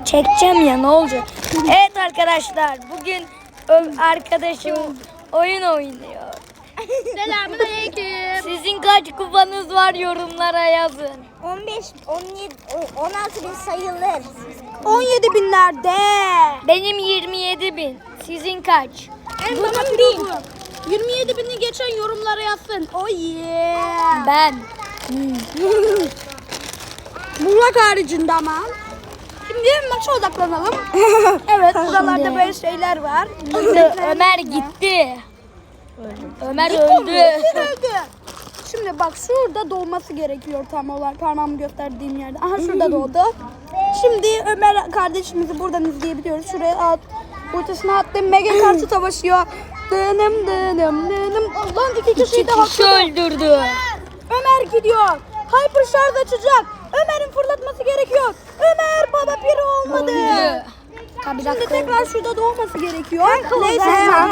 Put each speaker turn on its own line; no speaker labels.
Çekeceğim ya, ne olacak? Evet arkadaşlar, bugün arkadaşım oyun oynuyor.
Selamünaleyküm.
Sizin kaç kupanız var, yorumlara yazın.
15, 17, 16 bin sayılır.
17 binlerde.
Benim 27.000. Sizin kaç?
Bunun bin. 27 bini geçen yorumlara yazsın. Oh yeah.
Ben.
Burak haricinde ama. Şimdi maça odaklanalım. Evet, buralarda böyle şeyler var.
Ömer gitti. Ömer
Öldü.
öldü.
Şimdi bak, şurada doğması gerekiyor tam olarak, parmağımı gösterdiğim yerde. Aha, şurada doğdu. Şimdi Ömer kardeşimizi buradan izleyebiliyoruz. Şuraya at. Ortasına attım. Mega karşı savaşıyor. Dınım dınım dınım. Lan iki kişiyi de
Kişi
hakladı.
öldürdü.
Ömer gidiyor. Hyper şarj açacak. Ömer'in fırlatması gerekiyor. Ömer baba piri olmadı.
Öldü.
Şimdi tekrar şurada doğması gerekiyor. Neyse.